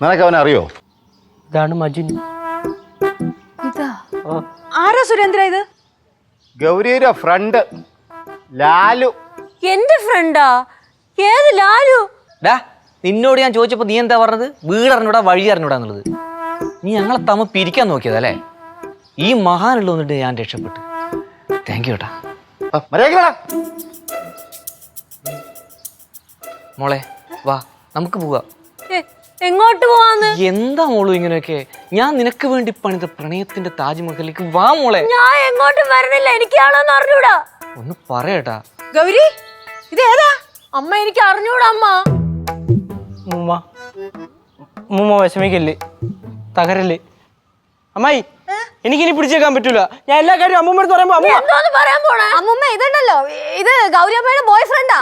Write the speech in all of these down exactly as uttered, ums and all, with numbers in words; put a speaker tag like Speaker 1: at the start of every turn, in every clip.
Speaker 1: നിനക്ക് അവനെ അറിയോ?
Speaker 2: ഇതാണ് മജുൻ.
Speaker 3: ഇതാ ആരാ സുരേന്ദ്ര ഇത്?
Speaker 1: ഗൗരിയുടെ ഫ്രണ്ട് ലാലു.
Speaker 3: എന്റെ ഫ്രണ്ടാ? ഏത് ലാലു?
Speaker 2: ഡാ നിന്നോട് ഞാൻ ചോദിച്ചപ്പോ നീ എന്താ പറഞ്ഞത്? വീട് അറിഞ്ഞൂടാ വഴി അറിഞ്ഞൂടാ എന്നുള്ളത്. നീ ഞങ്ങളെ തമ്മ പിരിക്കാൻ നോക്കിയതല്ലേ? ഈ മഹാനുള്ള വന്നിട്ട് ഞാൻ രക്ഷപ്പെട്ടു. താങ്ക് യു ഏട്ടാ. മോളെ വാ നമുക്ക് പോവാ.
Speaker 3: എങ്ങോട്ട് പോവാന്ന്?
Speaker 2: എന്താ മോളു ഇങ്ങനെയൊക്കെ? ഞാൻ നിനക്ക് വേണ്ടി പണിത പ്രണയത്തിന്റെ താജ്മഹലിലേക്ക് വാ മോളെ.
Speaker 3: ഞാൻ എങ്ങോട്ടും വരണില്ല, എനിക്കാണോന്ന് അറിഞ്ഞൂടാ.
Speaker 2: ഒന്ന് പറയട്ടാ.
Speaker 3: ഗൗരി ഇത് ഏതാ? അമ്മ എനിക്ക് അറിഞ്ഞൂടാ അമ്മ.
Speaker 4: മൂമ്മ മൂമ്മ വിഷമിക്കല്ലേ, തകരല്ലേ അമ്മായി. എനിക്കിനി പിടിച്ചേക്കാൻ പറ്റൂല. ഞാൻ എല്ലാ കാര്യവും അമ്മൂമ്മ അടുത്ത് പറയുമ്പോ
Speaker 3: അമ്മൂമ്മ ഇതുണ്ടല്ലോ, ഇത് ഗൗരി അമ്മയുടെ ബോയ് ഫ്രണ്ടാ.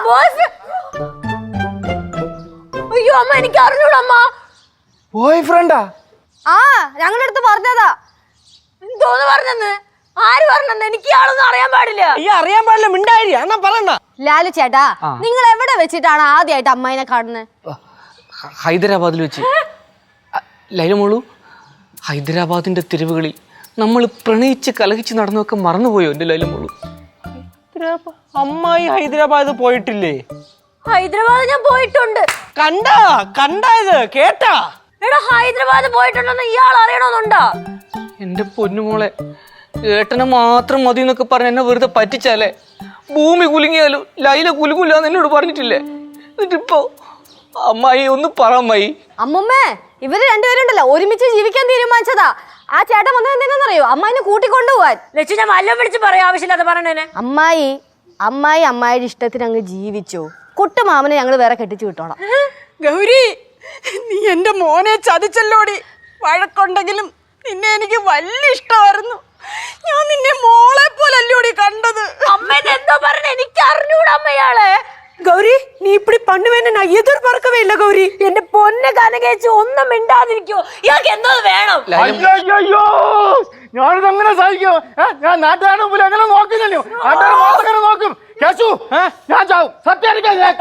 Speaker 3: അയ്യോ അമ്മ എനിക്ക് അറിഞ്ഞൂടാ അമ്മ.
Speaker 4: ബോയ് ഫ്രണ്ടാ?
Speaker 3: ആ ഞങ്ങളുടെ അടുത്ത് പറഞ്ഞതാ. എന്തോന്ന് പറഞ്ഞെന്ന്? ആര് പറഞ്ഞെന്ന്? എനിക്ക് ആളൊന്നും അറിയാൻ പാടില്ല.
Speaker 4: ഈ അറിയാൻ പാടില്ല മിണ്ടായി എന്നാ പറയണ്ട.
Speaker 3: ലാലു ചേട്ടാ, നിങ്ങൾ എവിടെ വെച്ചിട്ടാണ് ആദ്യമായിട്ട് അമ്മായിനെ കാണുന്നത്?
Speaker 2: ഹൈദരാബാദിൽ വെച്ച്. ലൈല മോളു, ഹൈദരാബാദിന്റെ തെരുവുകളിൽ നമ്മൾ പ്രണയിച്ച് കലഹിച്ച് നടന്നൊക്കെ മറന്നുപോയോ എന്റെ ലൈല മോളു?
Speaker 4: അമ്മായി ഹൈദരാബാദ് പോയിട്ടില്ലേ?
Speaker 3: ഹൈദരാബാദ് ഞാൻ പോയിട്ടുണ്ട്.
Speaker 4: കണ്ടാ കണ്ടായത് കേട്ടാ?
Speaker 3: എടാ ഹൈദരാബാദ് പോയിട്ടുണ്ടെന്ന് ഇയാൾ അറിയണമെന്നുണ്ടോ?
Speaker 2: എന്റെ പൊന്നുമോളെ, ഏട്ടനെ മാത്രം മതി എന്നൊക്കെ പറഞ്ഞ എന്നെ വെറുതെ പറ്റിച്ചാലേ. ഭൂമി കുലുങ്ങിയാലും ലൈല കുലുങ്ങില്ല എന്ന് എന്നോട് പറഞ്ഞിട്ടില്ലേ? എന്നിട്ടിപ്പോ അമ്മായി ഒന്ന് പറ അമ്മായി.
Speaker 3: അമ്മുമ്മേ, ഇവര് രണ്ടുപേരുണ്ടല്ലോ ഒരുമിച്ച് ജീവിക്കാൻ തീരുമാനിച്ചതാ. ആ ചേട്ടൻ വന്നത് എന്തിനാണെന്നറിയോ? അമ്മായിനെ കൂട്ടിക്കൊണ്ടുപോവാൻ. ലക്ഷ്യ ഞാൻ വല്ലതും വിളിച്ച് പറയാം, ആവശ്യമില്ലാതെ പറഞ്ഞേനെ. അമ്മായി അമ്മായി അമ്മായിയുടെ ഇഷ്ടത്തിന് അങ്ങ് ജീവിച്ചോ. കുട്ടുമാമനെ ഞങ്ങൾ വേറെ കെട്ടിച്ചു വിട്ടോളാം.
Speaker 5: ഗൗരി, നീ എന്റെ മോനെ ചതിച്ചല്ലോടി. വഴക്കുണ്ടെങ്കിലും നിന്നെ എനിക്ക് വലിയ ഇഷ്ടമായിരുന്നു. ഞാൻ നിന്നെ മോളെ പോലല്ലോടി കണ്ടത്.
Speaker 3: അമ്മേനെ എന്തോ പറഞ്ഞ എനിക്ക് അറിഞ്ഞൂടാ അമ്മയാളെ.
Speaker 5: ഗൗരി, നീ ഇപ്പടി പണ്ടുവേന്നെ ഞാൻ എതിർ പറക്കവേ ഇല്ല ഗൗരി.
Speaker 3: എന്റെ പൊന്ന് കനകേച്ച് ഒന്നും മിണ്ടാതിരിക്കോ. ഇയാൾക്ക് എന്തോ വേണം?
Speaker 1: അയ്യോ, ഞാനിത് അങ്ങനെ സഹിക്കോ? ഞാൻ നാട്ടുകാരുടെ മുമ്പിൽ എങ്ങനെ നോക്കില്ലല്ലോ? നാട്ടുകാർ മാത്രം നോക്കും. കേശു, ഞാൻ ചാവും. സത്യം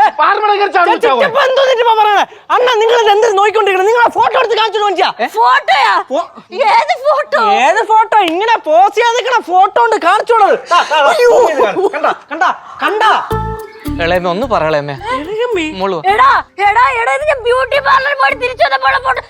Speaker 4: അണ്ണ നിങ്ങൾ എന്ത് നോക്കിക്കൊണ്ടിരിക്കണം? നിങ്ങൾ ഫോട്ടോ എടുത്ത് കാണിച്ചു നോക്കിയാ?
Speaker 3: ഫോട്ടോയാ? ഏത് ഫോട്ടോ?
Speaker 4: ഏത് ഫോട്ടോ? ഇങ്ങനെ പോസ് ചെയ്യാതിരിക്കണ ഫോട്ടോ ഉണ്ട് കാണിച്ചോളത്. കണ്ടാ കണ്ടാ
Speaker 2: ഇളയമ്മ ഒന്ന് പറയളേമ്മേ. മോളു
Speaker 3: എടാ എടാ എടാ ഇത് ഞാൻ ബ്യൂട്ടി പാർലറിൽ പോയി തിരിച്ചു വന്നപ്പോൾ ഫോട്ടോ.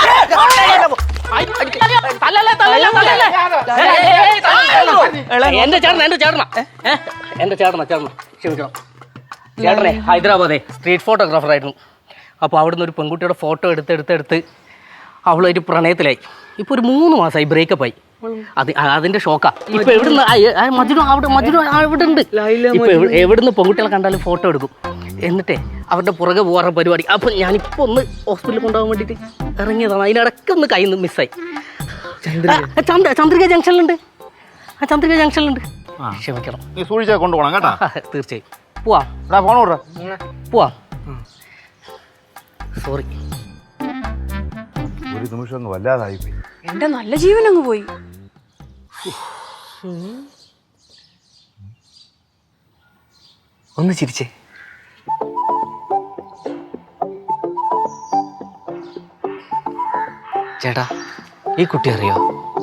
Speaker 6: എന്റെ ചേട്ടന എന്റെ ചേട്ടന എന്റെ ചേട്ടന ചേട്ടന ക്ഷമിക്കണം ചേട്ടനെ ഹൈദരാബാദേ സ്ട്രീറ്റ് ഫോട്ടോഗ്രാഫർ ആയിരുന്നു. അപ്പോൾ അവിടുന്ന് ഒരു പെൺകുട്ടിയുടെ ഫോട്ടോ എടുത്ത് എടുത്തെടുത്ത് അവളൊരു പ്രണയത്തിലായി. ഇപ്പൊ ഒരു മൂന്ന് മാസമായി ബ്രേക്കപ്പ് ആയി. അത് അതിന്റെ ഷോക്കാ. ഇപ്പൊ എവിടുന്ന് മജുനു അവിടെ മജുനു അവിടെ ഉണ്ട്. ഇപ്പൊ എവിടുന്ന് പെൺകുട്ടികളെ കണ്ടാലും ഫോട്ടോ എടുക്കും. എന്നിട്ടേ അവരുടെ പുറകെ പോകാറ പരിപാടി. അപ്പൊ ഞാനിപ്പോ ഒന്ന് ഹോസ്പിറ്റലിൽ കൊണ്ടുപോകാൻ വേണ്ടിട്ട് ഇറങ്ങിയതാണ്. അതിനിടയ്ക്ക് ഒന്ന് കയ്യിൽ നിന്ന് മിസ്സായി. ചന്ദ്ര ചന്ദ്രിക ജംഗ്ഷനിലുണ്ട്. ആ ചന്ദ്രിക ജംഗ്ഷനിലുണ്ട്. ക്ഷമിക്കണം.
Speaker 1: നീ സൂക്ഷിച്ചാ കൊണ്ടുപോകണം കേട്ടാ.
Speaker 6: തീർച്ചയായും പോവാം.
Speaker 1: ഫോൺ വിട.
Speaker 6: പോവാം. സോറി.
Speaker 1: ഒരു നിമിഷം അങ്ങ് വല്ലാതായിപ്പോയി.
Speaker 5: എന്റെ നല്ല ജീവൻ അങ്ങ് പോയി.
Speaker 2: ഒന്ന് ചിരിച്ചേ. ചേട്ടാ, ഈ കുട്ടി അറിയോ?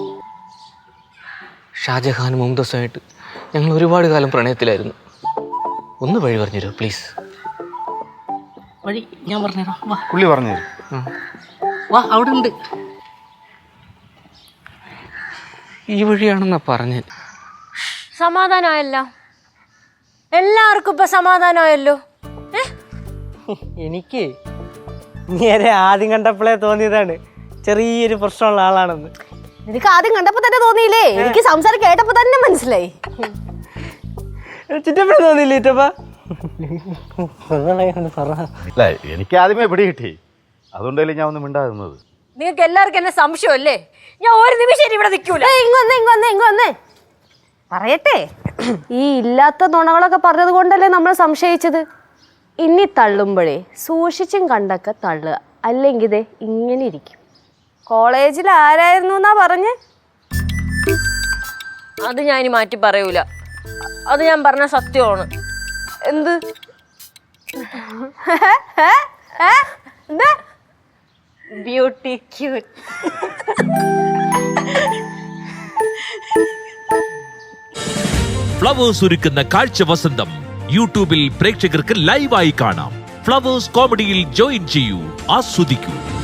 Speaker 2: ഷാജഹാനും മുംതാസുമായിട്ട് ഞങ്ങൾ ഒരുപാട് കാലം പ്രണയത്തിലായിരുന്നു. ഒന്ന് വഴി പറഞ്ഞുതരൂ പ്ലീസ്.
Speaker 6: വഴി ഞാൻ പറഞ്ഞുതരാം. വാ
Speaker 1: പുള്ളി പറഞ്ഞു
Speaker 6: വാ, അവിടെ ഉണ്ട്.
Speaker 2: ഈ വഴിയാണെന്നാ പറഞ്ഞത്.
Speaker 3: സമാധാനമായല്ലോ, എല്ലാവർക്കും ഇപ്പൊ സമാധാനമായല്ലോ.
Speaker 4: എനിക്ക് നേരെ ആദ്യം കണ്ടപ്പോഴേ തോന്നിയതാണ് ചെറിയൊരു പ്രശ്നമുള്ള ആളാണെന്ന്.
Speaker 3: നിനക്ക് ആദ്യം കണ്ടപ്പോ തന്നെ തോന്നിയില്ലേ? എനിക്ക് സംസാരം കേട്ടപ്പോ തന്നെ മനസ്സിലായി.
Speaker 4: ചിറ്റപ്പഴ തോന്നിയില്ലേ ചിറ്റപ്പ?
Speaker 1: അല്ല, എനിക്ക് ആദ്യമേ പിടി കിട്ടി. അതുകൊണ്ടല്ലേ ഞാൻ ഒന്ന് മിണ്ടാകുന്നത്.
Speaker 3: നിങ്ങൾക്ക് എല്ലാവർക്കും എന്നെ സംശയമല്ലേ? ഞാൻ ഒരു നിമിഷം ഇവിടെ നിൽക്കൂല. ഇങ്ങൊന്നേ ഇങ്ങൊന്നേ ഇങ്ങൊന്നേ പറയട്ടെ. ഈ ഇല്ലാത്ത നുണകളൊക്കെ പറഞ്ഞത് കൊണ്ടല്ലേ നമ്മൾ സംശയിച്ചത്. ഇനി തള്ളുമ്പോഴേ സൂക്ഷിച്ചും കണ്ടൊക്കെ തള്ളുക, അല്ലെങ്കിൽ ഇതേ ഇങ്ങനെ ഇരിക്കും. കോളേജിൽ ആരായിരുന്നു എന്നാ പറഞ്ഞ്? അത് ഞാൻ ഇനി മാറ്റി പറയൂല. അത് ഞാൻ പറഞ്ഞ സത്യമാണ്. എന്ത് ബ്യൂട്ടി ക്യൂട്ട്.
Speaker 7: ഫ്ലവേഴ്സ് ഒരുക്കുന്ന കാഴ്ച വസന്തം യൂട്യൂബിൽ പ്രേക്ഷകർക്ക് ലൈവായി കാണാം. ഫ്ലവേഴ്സ് കോമഡിയിൽ ജോയിൻ ചെയ്യൂ, ആസ്വദിക്കൂ.